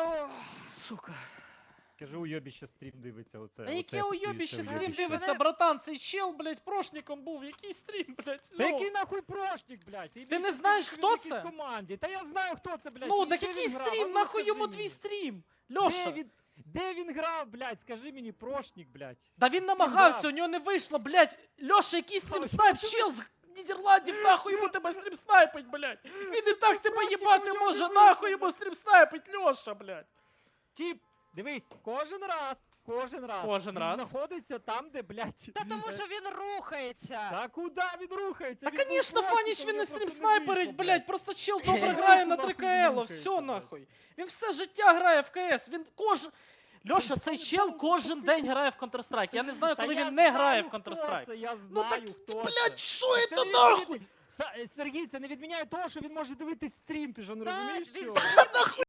Сука. Кажи, уйобіще стрім дивиться оце. А яке уйобіще стрім дивиться, Мене- братан? Цей чел, блядь, прошником був. Який стрім, блядь? Та який нахуй прошник, блядь? Ти не знаєш, хто це? Команді. Та я знаю, хто це, блядь. Ну, І так де який він грав? А стрім? ну, Нахуй скажи йому мені. твій стрім? Льоша. Де він грав, блядь? Скажи мені, прошник, блядь. Да він намагався, грав. у нього не вийшло, блядь. Льоша, який стрім снайп? Чел з Нідерландів, нахуй йому тебе стрім снайпить, блядь. Він і так тебе їбати може, нахуй йому стрім снайпить, Льоша, блядь. Тіп, дивись, кожен раз Кожен він раз. знаходиться там, де, блядь. Та тому що він рухається. Та куди він рухається? Та, Він був конечно, прошником, Фаніч, він я не просто стрім вийшло, снайперить, блядь. Просто чел добре грає на 3 КЛ, все нахуй. Він все життя грає в КС, він Льоша, цей чел кожен день грає в Counter-Strike. Я не знаю, Та коли я він не знаю, грає в хто Counter-Strike. це, я Ну так, знаю, хто блядь, це. що Це це не нахуй? Сергій, це не відміняє того, що він може дивитись стрім, ти ж не Так, розумієш, він що? Нахуй